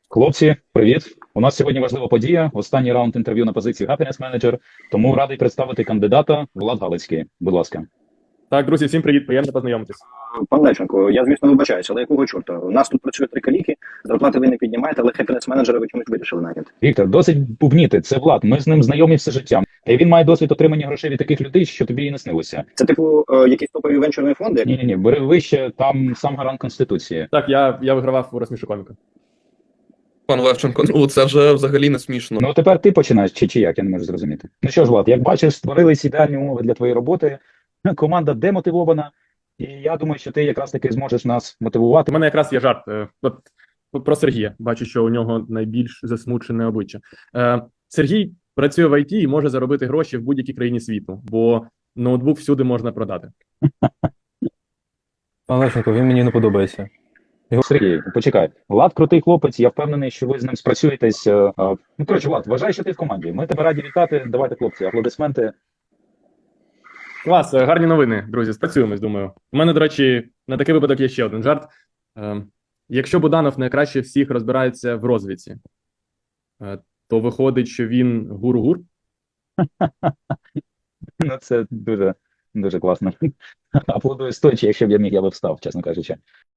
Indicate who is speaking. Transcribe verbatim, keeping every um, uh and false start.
Speaker 1: Хлопці, привіт! У нас сьогодні важлива подія. Останній раунд інтерв'ю на позиції Happiness Manager. Тому радий представити кандидата Влад Галицький. Будь ласка.
Speaker 2: Так, друзі, всім привіт, приємно познайомитись.
Speaker 3: Пан Левченко, я, звісно, вибачаюся, але якого чорта? У нас тут працює три каліки, зарплати ви не піднімаєте, але хеппінес менеджера ви чомусь вирішили наняти.
Speaker 1: Віктор, досить бубніти. Це Влад. Ми з ним знайомі все життя. Та й він має досвід отримання грошей від таких людей, що тобі і не снилося.
Speaker 3: Це, типу, е, якісь топові венчурні фонди?
Speaker 1: Ні, ні, ні, бери вище, там сам гарант Конституції.
Speaker 2: Так, я, я вигравав у розсмішу коміка.
Speaker 4: Пан Левченко, ну це вже взагалі не смішно.
Speaker 1: Ну тепер ти починаєш, чи, чи як, я не можу зрозуміти. Ну що ж, Влад, як бачиш, створились ідеальні умови для твоєї роботи. Команда демотивована, і я думаю, що ти якраз таки зможеш нас мотивувати.
Speaker 2: У мене якраз є жарт. е, От про Сергія. Бачу, що у нього найбільш засмучене обличчя. Е, Сергій працює в ай ті і може заробити гроші в будь-якій країні світу, бо ноутбук всюди можна продати.
Speaker 5: Пан Левченко, він мені не подобається.
Speaker 1: Сергій, почекай. Влад крутий хлопець, я впевнений, що ви з ним спрацюєтесь. е, е, Ну, коротше, Влад, вважай, що ти в команді. Ми тебе раді вітати. Давайте, хлопці, аплодисменти.
Speaker 2: Клас, е, гарні новини, друзі, спрацюємось, думаю. У мене, до речі, на такий випадок є ще один жарт. Е, Якщо Буданов найкраще всіх розбирається в розвідці, е, то виходить, що він гур-гур.
Speaker 1: Ну, це дуже, дуже класно. Аплодую стоячи, якщо б я міг, я би встав, чесно кажучи.